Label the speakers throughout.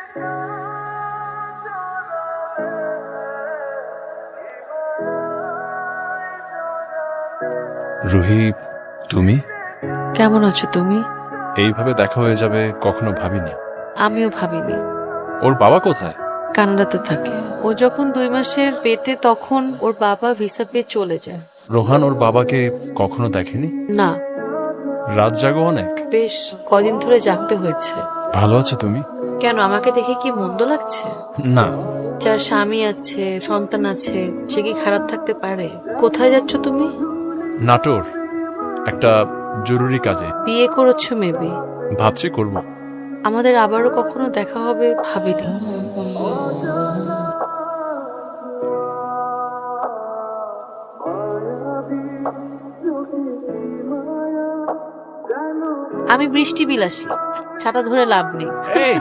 Speaker 1: রুহি, তুমি
Speaker 2: কেমন আছো তুমি?
Speaker 1: এইভাবে দেখা হয়ে যাবে কখনো ভাবিনি।
Speaker 2: আমিও ভাবিনি।
Speaker 1: ওর বাবা কোথায়?
Speaker 2: কানাডাতে থাকে। ও যখন 2 মাসের পেটে তখন ওর বাবা ভিসা পেয়ে চলে যায়।
Speaker 1: রোহান ওর বাবাকে কখনো দেখেনি?
Speaker 2: না,
Speaker 1: রাত জাগো অনেক।
Speaker 2: বেশ কদিন ধরে জাগতে হয়েছে।
Speaker 1: ভালো আছো তুমি?
Speaker 2: কেন, আমাকে দেখে কি মন্দ লাগছে?
Speaker 1: না।
Speaker 2: যার স্বামী আছে, সন্তান আছে, সে কি খারাপ থাকতে পারে? কোথায় যাচ্ছ তুমি?
Speaker 1: নাটোর, একটা জরুরি কাজে।
Speaker 2: বিয়ে করেছো মেবি।
Speaker 1: ভাবছি করব।
Speaker 2: আমাদের আবারও কখনো দেখা হবে ভাবিনি। আমি বৃষ্টি বিলাসী, ছাতা ধরে লাভ নেই।
Speaker 1: এই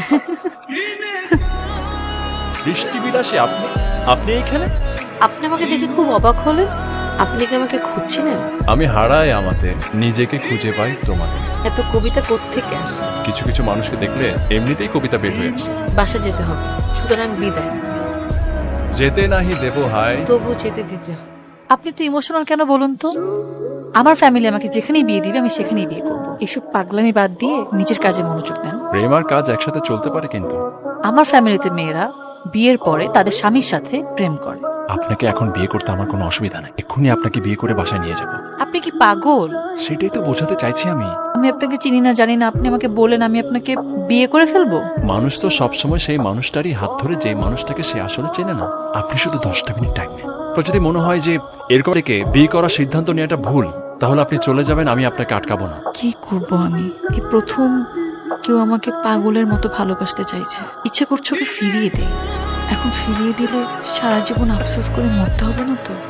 Speaker 1: বৃষ্টি বিলাসী আপনি? আপনি এখানে?
Speaker 2: আপনি আমাকে দেখে খুব অবাক হলেন। আপনি কি আমাকে খুঁজছিলেন?
Speaker 1: আমি হারাই আমাতে, নিজেকে খুঁজে পাই তোমাকে।
Speaker 2: এত কবিতা কোত্থেকে আসে?
Speaker 1: কিছু কিছু মানুষকে দেখলে এমনিতেই কবিতা বের হয়ে আসে।
Speaker 2: বাসা যেতে হবে, সুতরাং বিদায়।
Speaker 1: যেতে নাহি দেব হায়,
Speaker 2: তবু যেতে দিতে হবে।
Speaker 3: আপনি তো ইমোশনাল কেন বলুন তো? আমার ফ্যামিলি আমাকে যেখানেই বিয়ে দিবে আমি সেখানেই বিয়ে করব। এসব পাগলামি বাদ দিয়ে নিজের কাজে মনোযোগ দেন।
Speaker 1: প্রেম আর কাজ একসাথে চলতে পারে কিন্তু।
Speaker 3: আমার ফ্যামিলিতে মেয়েরা বিয়ের পরে তাদের স্বামীর সাথে প্রেম করে।
Speaker 1: আপনাকে এখন বিয়ে করতে আমার কোনো অসুবিধা নেই। এক্ষুনি আপনাকে বিয়ে করে বাসায় নিয়ে যাব।
Speaker 3: আপনি কি পাগল?
Speaker 1: সেটাই তো বোঝাতে চাইছি আমি।
Speaker 3: আমি আপনাকে চিনি না জানি না, আপনি আমাকে বলেন আমি আপনাকে বিয়ে করে ফেলবো?
Speaker 1: মানুষ তো সবসময় সেই মানুষটারই হাত ধরে যে মানুষটাকে সে আসলে চেনে না। আপনি শুধু 10টা মিনিট টাইম নেন। তো যদি মনে হয় যে এরকম থেকে বিয়ে করার সিদ্ধান্ত নেওয়াটা ভুল, তাহলে আপনি চলে যাবেন, আমি আপনাকে আটকাবো না।
Speaker 3: কি করব আমি? এই প্রথম কেউ আমাকে পাগলের মতো ভালোবাসতে চাইছে। ইচ্ছে করছে ওকে ফিরিয়ে দেই। এখন ফিরিয়ে দিলে সারা জীবন আফসোস করে মরতে হবে না তো?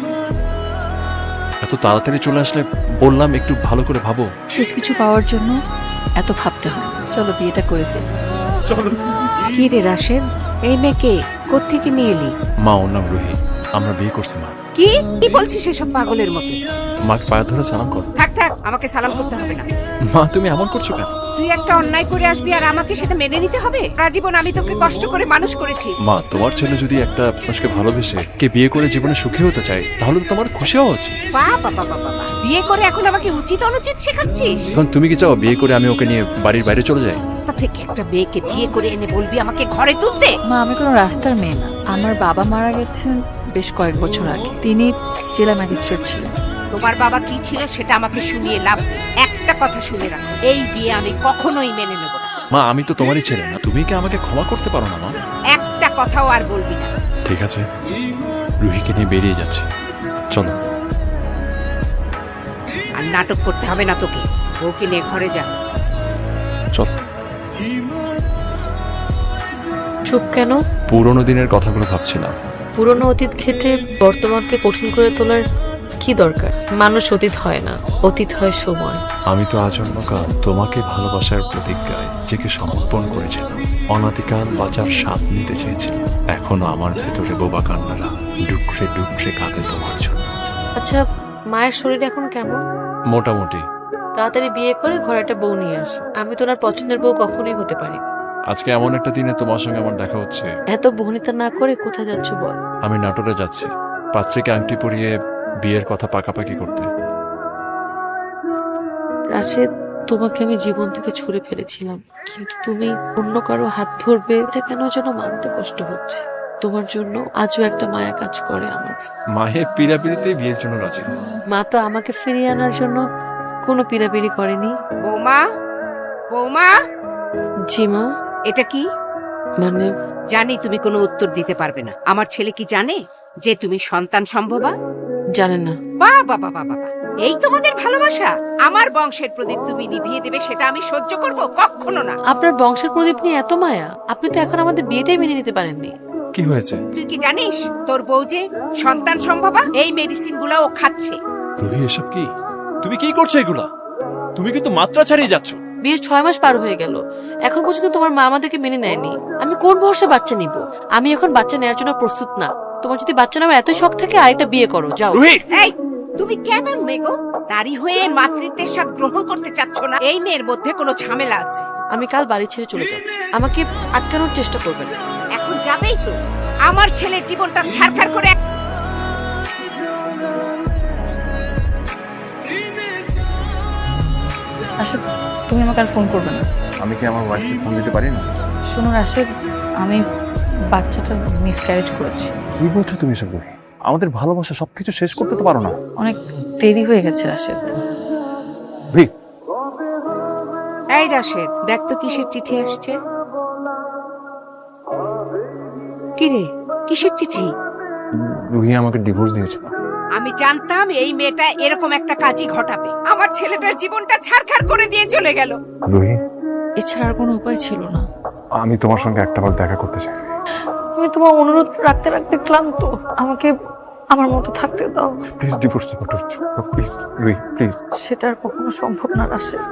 Speaker 1: এত তাড়াতাড়ি চলে আসলে বললাম একটু ভালো করে ভাবো।
Speaker 3: শেষ কিছু পাওয়ার জন্য এত ভাবতে হয় না। চলো বিয়েটা করে ফেলি।
Speaker 1: চলো।
Speaker 4: কি রে রাশেদ, এই মেয়েকে কোত্থেকে নিয়ে এলি?
Speaker 1: মা, ওর নাম রুহি। আমরা বিয়ে করছি মা।
Speaker 4: কি কি বলছিস এসব পাগলের মতো?
Speaker 1: মাকে পায়ে ধরে সালাম করো।
Speaker 4: থাক থাক, আমাকে সালাম করতে হবে না।
Speaker 1: মা, তুমি এমন করছো কেন?
Speaker 4: তুই একটা অন্যায় করে আসবি আর আমাকে সেটা মেনে নিতে হবে? আজীবন আমি তোকে কষ্ট করে মানুষ করেছি।
Speaker 1: মা, তোমার ছেলে যদি একটা মানুষকে ভালোবেসে কে বিয়ে করে জীবনে সুখী হতে চায়, তাহলে তো তোমার খুশি হওয়া উচিত।
Speaker 4: বাবা বাবা বাবা, বিয়ে করে এখন আমাকে উচিত অনুচিত শেখাচ্ছিস?
Speaker 1: এখন তুমি কি চাও বিয়ে করে আমি ওকে নিয়ে বাড়ির বাইরে চলে যাই?
Speaker 4: রাস্তা থেকে একটা মেয়েকে বিয়ে করে এনে বলবি আমাকে ঘরে তুলতে?
Speaker 3: মা, আমি কোনো রাস্তার মেয়ে না। আমার বাবা মারা গেছেন বেশ কয়েক বছর আগে। তিনি জেলা ম্যাজিস্ট্রেট ছিলেন।
Speaker 4: তোমার বাবা কি ছিল সেটা আমাকে শুনিয়ে লাভ নেই। একটা কথা শুনে রাখো, এই বিয়ে আমি কখনোই মেনে নেব না।
Speaker 1: মা, আমি তো তোমারই ছেলে না? তুমি কি আমাকে ক্ষমা করতে পারো না মা?
Speaker 4: একটা কথাও আর বলবি না।
Speaker 1: ঠিক আছে, রুহিকে নিয়ে বেরিয়ে যাচ্ছে। চলো।
Speaker 4: আর নাটক করতে হবে না তোকে। বউকে নিয়ে ঘরে যা।
Speaker 1: চল।
Speaker 2: চুপ কেন?
Speaker 1: পুরোনো দিনের কথাগুলো ভাবছিলাম।
Speaker 2: পুরনো অতীত ঘেটে বর্তমানকে কঠিন করে তোলার কি দরকার? মানুষ অতীত হয় না, অতীত হয় সময়।
Speaker 1: আমি তো আজন্মকাল তোমাকে ভালোবাসার প্রতিজ্ঞায় নিজেকে সমর্পণ করেছিলাম। অনাদিকাল বাঁচার স্বাদ নিতে চেয়েছিলাম। এখনো আমার ভেতরে বোবা কান্নারা ডুকরে ডুকরে কাঁদে তোমার জন্য।
Speaker 2: আচ্ছা, মায়ের শরীর এখন কেমন?
Speaker 1: মোটামুটি।
Speaker 2: তাড়াতাড়ি বিয়ে করে ঘরে একটা বউ নিয়ে আসো। আমি তো ওনার পছন্দের বউ কখনোই হতে পারি।
Speaker 1: আজকে এমন একটা দিনে তোমার সঙ্গে আমার দেখা হচ্ছে।
Speaker 2: এত বহনিতা না করে কোথায় যাচ্ছ বল?
Speaker 1: আমি নাটোরে যাচ্ছি পাত্রীকে আংটি পরিয়ে বিয়ের কথা পাকাপাকি করতে।
Speaker 2: রাশেদ, তোমাকে আমি জীবন থেকে ছুড়ে ফেলেছিলাম, কিন্তু তুমি অন্য কারো হাত ধরবে এটা কেন যেন মানতে কষ্ট হচ্ছে। তোমার জন্য আজও একটা মায়া কাজ করে আমার।
Speaker 1: মায়ের পিড়াপিড়িতে বিয়ের জন্য রাজি।
Speaker 2: মা তো আমাকে ফিরিয়ে আনার জন্য কোনো পিড়াপিড়ি করেনি।
Speaker 4: বৌমা, বৌমা,
Speaker 2: জি মা।
Speaker 4: এটা কি?
Speaker 2: মানে
Speaker 4: জানি তুমি কোনো উত্তর দিতে পারবে না। আমার ছেলে কি জানে যে তুমি সন্তান সম্ভবা?
Speaker 2: জানেন না।
Speaker 4: বাবা বাবা বাবা, এই তোমাদের ভালোবাসা? আমার বংশের প্রদীপ তুমি নিভিয়ে দেবে সেটা আমি সহ্য করব? কখনো না।
Speaker 2: আপনার বংশের প্রদীপ নিয়ে এত মায়া? আপনি তো এখন আমাদের বিয়েটাই মেনে নিতে পারেননি।
Speaker 1: কি হয়েছে?
Speaker 4: তুই কি জানিস তোর বউ যে সন্তান সম্ভবা? এই মেডিসিন গুলা ও খাচ্ছে।
Speaker 1: রুহি, এসব কি? তুমি কি করছো এগুলা? তুমি কিন্তু মাত্রা ছাড়িয়ে যাচ্ছ।
Speaker 2: বিয়ের 6 মাস পার হয়ে গেল, এখন পর্যন্ত তোমার মা আমাদেরকে মেনে নেয়নি। আমি কোন ভরসা বাচ্চা নিব? আমি এখন বাচ্চা নেওয়ার জন্য প্রস্তুত না। তোমার যদি বাচ্চা নেওয়ার এত শখ থাকে আরেকটা বিয়ে করো, যাও।
Speaker 1: রুহি!
Speaker 4: এই তুমি কেমন মেয়ে গো? নারী হয়ে মাতৃত্বের স্বাদ গ্রহণ করতে চাচ্ছ না? এই মেয়ের মধ্যে কোনো ঝামেলা আছে।
Speaker 2: আমি কাল বাড়ি ছেড়ে চলে যাব। আমাকে আটকানোর চেষ্টা করবেন না।
Speaker 4: এখন যাবেই তো? আমার ছেলের জীবনটা ছারখার করে
Speaker 3: রাশেদ, তুমি আমাকে আর ফোন করবে না।
Speaker 5: আমি কি আমার ওয়াইফকে ফোন দিতে পারি না?
Speaker 3: শোনো রাশেদ, আমি বাচ্চাটা মিসক্যারেজ করেছি।
Speaker 5: কি বলছো তুমি সব? আমাদের ভালোবাসা সবকিছু শেষ করতে তো পারো না?
Speaker 3: অনেক দেরি হয়ে গেছে রাশেদ।
Speaker 5: ভি,
Speaker 4: এই রাশেদ, দেখ তো কিসের চিঠি আসছে। কি রে, কিসের চিঠি?
Speaker 5: রুহি আমাকে ডিভোর্স দিয়েছে।
Speaker 4: আমি জানতাম এই মেয়েটা এরকম একটা কাজই ঘটাবে। আমার ছেলেটার জীবনটা ছারখার করে দিয়ে চলে গেল।
Speaker 5: রুহি,
Speaker 3: এছাড়া আর কোনো উপায় ছিল না।
Speaker 5: আমি তোমার সঙ্গে একটাবার দেখা করতে চাই।
Speaker 3: আমি তোমার অনুরোধ রাখতে রাখতে ক্লান্ত। আমাকে আমার মতো থাকতে দাও।
Speaker 5: প্লিজ ডিভোর্স দাও, প্লিজ রুহি, প্লিজ।
Speaker 3: সেটা আর কখনো সম্ভব না রাশেদ।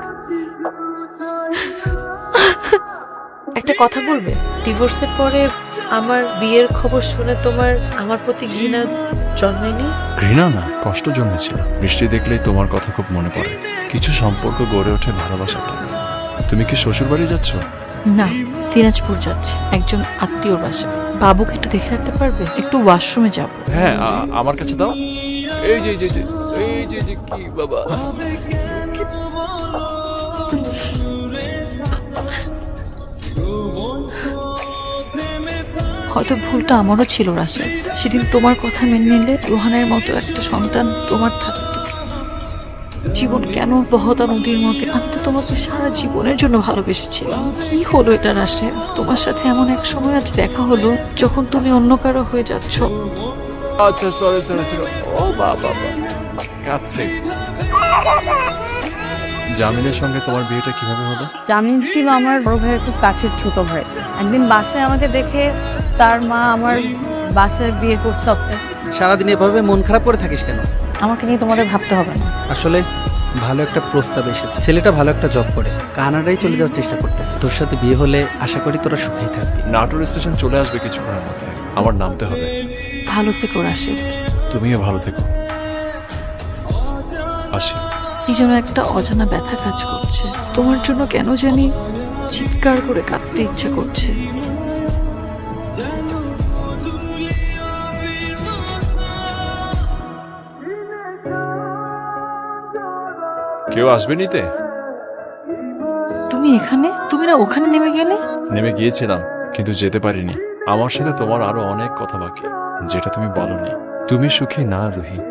Speaker 2: একটা কথা বলবে, ডিভোর্সের পরে আমার বিয়ের খবর শুনে তোমার আমার প্রতি ঘৃণা জন্মেনি?
Speaker 1: ঘৃণা না, কষ্ট জন্মেছিল। বৃষ্টি দেখলেই তোমার কথা খুব মনে পড়ে। কিছু সম্পর্ক গড়ে ওঠে ভালোবাসাটা। তুমি কি শ্বশুর বাড়ি যাচ্ছ?
Speaker 3: না, দিনাজপুর যাচ্ছি একজন আত্মীয়র বাসায়। বাবুকে একটু দেখে রাখতে পারবে? একটু ওয়াশরুমে যাব।
Speaker 1: হ্যাঁ, আমার কাছে দাও। এই যে কি বাবা।
Speaker 3: হয়তো ভুলটা আমারও ছিল রাশেদ। সেদিন তোমার কথা মেনে নিলে রোহানের মতো একটা সন্তান তোমার থাকতো। জীবন কেন বহতা নদীর মতো? আমি তো তোমাকে সারা জীবনের জন্য ভালোবেসেছিলাম। কি হলো এটা রাশেদ? তোমার সাথে এমন এক সময় আজ দেখা হলো যখন তুমি অন্য কারো হয়ে যাচ্ছ।
Speaker 1: আচ্ছা, সরি। ও বাবা, কাঁদছে। জামিলের সঙ্গে তোমার বিয়েটা কিভাবে হলো?
Speaker 6: জামিল ছিল আমার বড় ভাইয়ের খুব কাছের ছোট ভাই। একদিন বাসায় আমাকে দেখে তার মা আমার বাসায় বিয়ে করতে।
Speaker 7: সারাদিন এভাবে মন খারাপ করে থাকিস কেন?
Speaker 3: আমাকে নিয়ে তোমাদের ভাবতে হবে না।
Speaker 7: আসলে ভালো একটা প্রস্তাব এসেছে। ছেলেটা ভালো একটা জব করে কানাডায় চলে যাওয়ার চেষ্টা করতেছে। তোর সাথে বিয়ে হলে আশা করি তোরা সুখেই থাকবি।
Speaker 1: নাটোর স্টেশন চলে আসবে কিছুক্ষণের মধ্যে। আমার নামতে হবে।
Speaker 3: ভালো থেকো রাশেদ।
Speaker 1: তুমিও ভালো থেকো। আসি।
Speaker 3: কি যেন একটা অজানা ব্যথা কাজ করছে। তোমার জন্য কেন জানি চিৎকার করে কাঁদতে ইচ্ছা করছে।
Speaker 1: কেউ আসবে নিতে?
Speaker 3: তুমি এখানে? তুমি না ওখানে নেমে গেলে?
Speaker 1: নেমে গিয়েছিলাম, কিন্তু যেতে পারিনি। আমার সাথে তোমার আরো অনেক কথা বাকি, যেটা তুমি বলনি। তুমি সুখী না রুহি?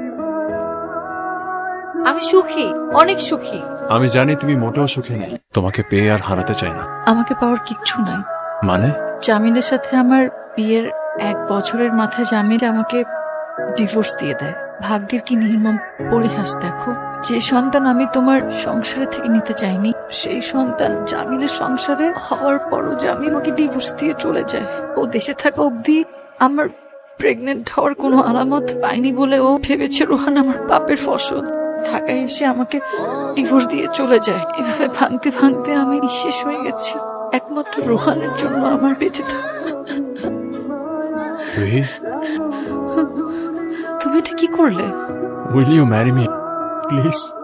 Speaker 2: আমি সুখী, অনেক সুখী।
Speaker 1: আমি জানি তুমি মোটেও সুখী নেই। তোমাকে পেয়ে আর হারাতে চাই না।
Speaker 3: আমাকে পাওয়ার কিচ্ছু নাই।
Speaker 1: মানে?
Speaker 3: জামিলের সাথে আমার বিয়ের 1 বছরের মাথায় জামিল আমাকে ডিভোর্স দিয়ে দেয়। ভাগ্যের কি নির্মম পরিহাস দেখো। যে সন্তান আমি তোমার সংসারে থেকে নিতে চাইনি, সেই সন্তান জামিলের সংসারে হওয়ার পরও জামিল আমাকে ডিভোর্স দিয়ে চলে যায়। ও দেশে থাকা অবধি আমার প্রেগনেন্ট হওয়ার কোনো আলামত পাইনি বলে ও ভেবেছে রোহান আমার পাপের ফসল। ঢাকায় এসে আমাকে ডিভোর্স দিয়ে চলে যায়। এভাবে ভাঙতে ভাঙতে আমি নিঃশেষ হয়ে গেছি। একমাত্র রোহানের জন্য আমার বেঁচে থাকা।
Speaker 1: রুহি,
Speaker 3: তুমি এটা কি করলে?
Speaker 1: Will you marry me please?